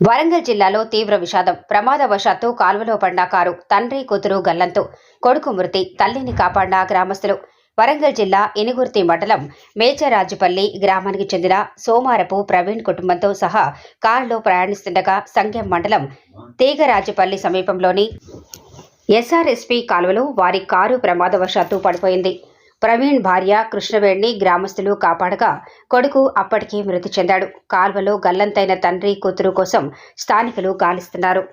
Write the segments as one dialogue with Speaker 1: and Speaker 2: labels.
Speaker 1: వరంగల్ జిల్లాలో తీవ్ర విషాదం. ప్రమాదవశాత్తు కాలువలో పడ్డ కారు తండ్రి కూతురు గల్లంతు, కొడుకు మృతి, తల్లిని కాపాడిన గ్రామస్తులు. వరంగల్ జిల్లా ఇనుగుర్తి మండలం మేచరాజుపల్లి గ్రామానికి చెందిన సోమారపు ప్రవీణ్ కుటుంబంతో సహా కారులో ప్రయాణిస్తుండగా సంగెం మండలం తీగరాజుపల్లి సమీపంలోని ఎస్ఆర్ఎస్పీ కాలువలో వారి కారు ప్రమాదవశాత్తు పడిపోయింది. ప్రవీణ్ భార్య కృష్ణవేణిని గ్రామస్తులు కాపాడగా కొడుకు అప్పటికే మృతి చెందాడు. కాల్వలో గల్లంతైన తండ్రి కూతురు కోసం స్థానికులు గాలిస్తున్నారు.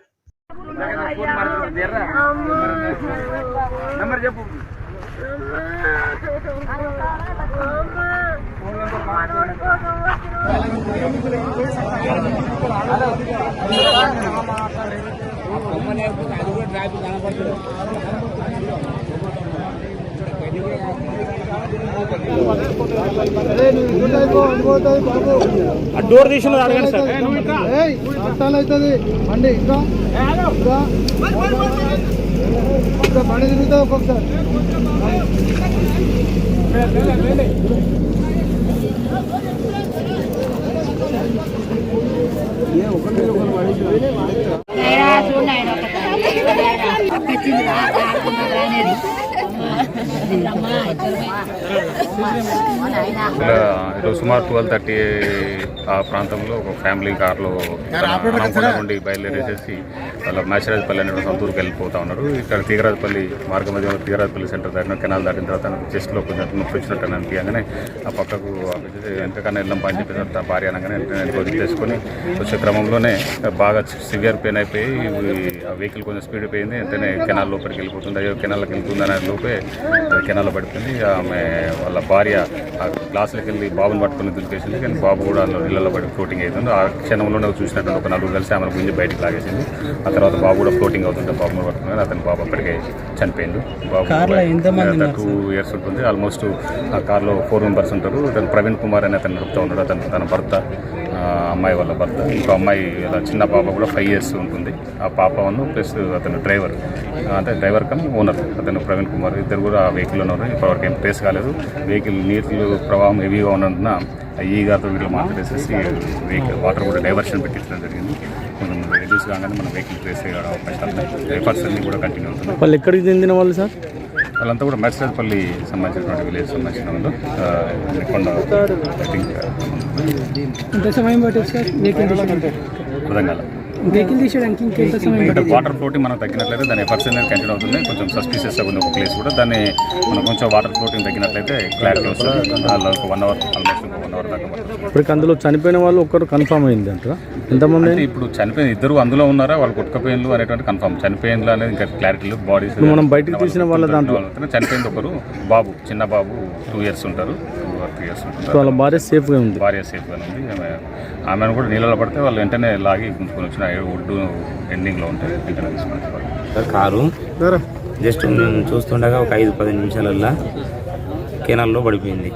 Speaker 2: డోర్ తీసిన అడగండి సార్.
Speaker 3: అవుతుంది బండి ఇంకా బండి తిరుగుతుంది ఒక్కొక్కసారి.
Speaker 4: ఈరోజు సుమారు 12:30 ఆ ప్రాంతంలో ఒక ఫ్యామిలీ కార్లో నుండి బయలుదేరేసేసి వాళ్ళ మేచరాజపల్లి అనే సొంతూరుకి వెళ్ళిపోతా ఉన్నారు. ఇక్కడ తీగరాజపల్లి మార్గ మధ్యంలో తీగరాజపల్లి సెంటర్ దాటిన కెనాల్ దాటిన తర్వాత చెస్ట్లో కొంచెం నొప్పి వచ్చినట్టు అనిపించగానే ఆ పక్కకు ఎంతకన్నా వెళ్ళం పని చెప్పేసి భార్య అనగానే వదిలేసుకొని వచ్చే క్రమంలోనే బాగా సివియర్ పెయిన్ అయిపోయి ఆ వెహికల్ కొంచెం స్పీడ్ అయిపోయింది. వెంటనే కెనాల్ లోపలికి వెళ్ళిపోతుంది. అయ్యో కెనాల్కి వెళ్తుందనే లోపే అది కెనాల్లో పడిపోయింది. ఆమె వాళ్ళ భార్య ఆ గ్లాసులకి వెళ్ళి బాబుని పట్టుకుని దులిపేసింది. కానీ బాబు కూడా నీళ్ళలో పడి ఫ్లోటింగ్ అవుతుంది. ఆ క్షణంలోనే చూసినట్టు ఒక నలుగురు కలిసి ఆమెను గుంజి బయటకు లాగేసింది. ఆ తర్వాత బాబు కూడా ఫ్లోటింగ్ అవుతుంటే బాబుని పట్టుకుని అతని బాబు అప్పటికే చనిపోయింది. బాబు 2 years ఉంటుంది. ఆల్మోస్ట్ ఆ కార్లో 4 members ఉంటారు. అతను ప్రవీణ్ కుమార్ అని అతను నడుపుతూ ఉన్నాడు. తన భర్త, అమ్మాయి వాళ్ళ భర్త. ఇంకో అమ్మాయి చిన్న పాప కూడా 5 years ఉంటుంది. ఆ పాపను ప్లస్ అతను డ్రైవర్, అంటే డ్రైవర్ కమ్ ఓనర్ అతను ప్రవీణ్ కుమార్, ఇద్దరు కూడా ఆ వెహికల్లో ఉన్నారు. ఇప్పటివరకు ఏం ట్రేస్ కాలేదు. వెహికల్ నీళ్ళు ప్రవాహం హెవీగా ఉన్నందున ఈ గారితో వీళ్ళు మాట్లాడేసేసి వెహికల్ వాటర్ కూడా డైవర్షన్ పెట్టించడం జరిగింది. కొంచెం రెడ్యూస్ కాగానే మన వెహికల్ ట్రేస్ అయ్యే అవకాశాలు ఉన్నాయి. ఎఫర్ట్స్ అన్ని కూడా కంటిన్యూ అవుతుంది.
Speaker 2: వాళ్ళు ఎక్కడికి చెందిన వాళ్ళు సార్?
Speaker 4: వాళ్ళంతా కూడా మేచరాజపల్లి సంబంధించినటువంటి విలేజ్ సంబంధించిన వాళ్ళు. ఐ థింక్ అర్థం అంటే వాటర్ ఫ్లోటింగ్ మనం తగ్గినట్లయితే దాని ఎఫర్ట్స్ అనేది కంటిన్యూ అవుతుంది. కొంచెం సస్పీషియస్ ఉంది ఒక ప్లేస్ కూడా. దాన్ని మనం కొంచెం వాటర్ ఫ్లోటింగ్ తగ్గినట్లయితే క్లారిటీ వస్తుంది. ఒక 1 hour ఆల్మోస్ట్ 1 hour దాకా.
Speaker 2: ఇప్పుడు అందులో చనిపోయిన వాళ్ళు ఒక్కరు కన్ఫర్మ్ అయింది అంటారా? ఎంతమంది?
Speaker 4: అంటే ఇప్పుడు చనిపోయిన ఇద్దరు అందులో ఉన్నారా, వాళ్ళు కొట్టుకపోయిన్లు అనేటువంటి కన్ఫర్మ్. చనిపోయిన్లు అనేది ఇంకా క్లారిటీ బాడీస్
Speaker 2: మనం బయటకు తీసిన వాళ్ళ దాంట్లో
Speaker 4: చనిపోయింది ఒకరు బాబు, చిన్న బాబు 2 years ఉంటారు, 3 years ఉంటారు.
Speaker 2: వాళ్ళ భార్య సేఫ్గా ఉంది.
Speaker 4: భార్య సేఫ్గా ఉంది. ఆమెను కూడా నీళ్ళలో పడితే వాళ్ళు వెంటనే లాగి గుంజుకొని వచ్చిన ఒడ్డు ఎండింగ్లో ఉంటాయి. వెంటనే తీసుకున్నారు
Speaker 5: కారు. జస్ట్ మేము చూస్తుండగా ఒక 5-10 నిమిషాలల్లో కెనాల్లో పడిపోయింది.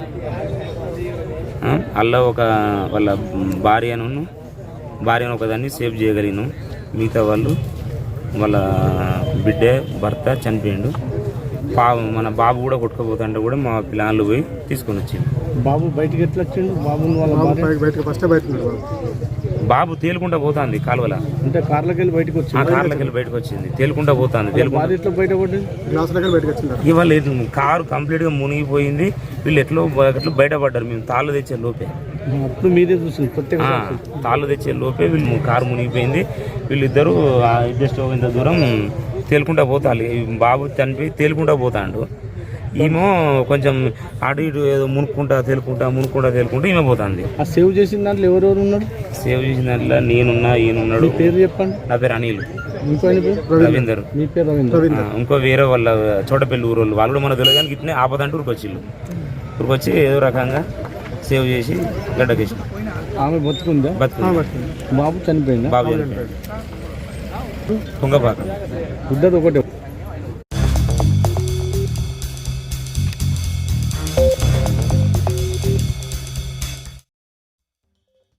Speaker 5: అలా ఒక వాళ్ళ భార్యను ఒకదాన్ని సేవ్ చేయగలిగాను. మిగతా వాళ్ళు వాళ్ళ బిడ్డే భర్త చనిపోయిండు. మన బాబు కూడా కొట్టుకుపోతుంటే కూడా మా పిల్లలు పోయి తీసుకొని వచ్చింది.
Speaker 2: బాబు బయటకి ఎట్లా వచ్చిండు?
Speaker 5: బాబు తేలుకుంటా పోతుంది కాలువల.
Speaker 2: అంటే కార్లకి వెళ్ళి బయటకు
Speaker 5: వచ్చింది. తేలుకుంటా పోతుంది. ఇవాళ కారు కంప్లీట్ గా మునిగిపోయింది. వీళ్ళు ఎట్లా బయటపడ్డారు. మేము తాళ్ళు తెచ్చే లోపే
Speaker 2: మీరే చూసింది.
Speaker 5: తాళ్ళు తెచ్చే లోపే వీళ్ళు కారు మునిగిపోయింది. వీళ్ళిద్దరూ జస్ట్ ఇంత దూరం తేలుకుంటా పోతారు. బాబు చనిపోయి తేలుకుంటా పోతాడు. ఈమె కొంచెం అటు ఇటు ఏదో మునుక్కుంటా తేలుకుంటా ఈమె పోతుంది.
Speaker 2: ఆ సేవ్ చేసిన దాంట్లో ఎవరెవరు ఉన్నారు?
Speaker 5: సేవ్ చేసిన దాంట్లో నేనున్నా, ఈయనున్నాడు.
Speaker 2: పేరు చెప్పండి.
Speaker 5: నా పేరు అనిల్.
Speaker 2: రవీందర్. మీ పేరు రవీందర్.
Speaker 5: ఇంకో వేరే వాళ్ళ చోటపల్లి ఊరు వాళ్ళు కూడా మన తెలియదు. కానీ ఇట్నే ఆపదంటే ఊరికొచ్చి ఏదో రకంగా సేవ్ చేసి గడ్డకేసి.
Speaker 2: ఆమె బతుకుందా?
Speaker 5: బతుకుంది.
Speaker 2: బాబు చనిపోయింది.
Speaker 5: బాబు చనిపోయింది. తుంగపాక.
Speaker 2: ఒకటే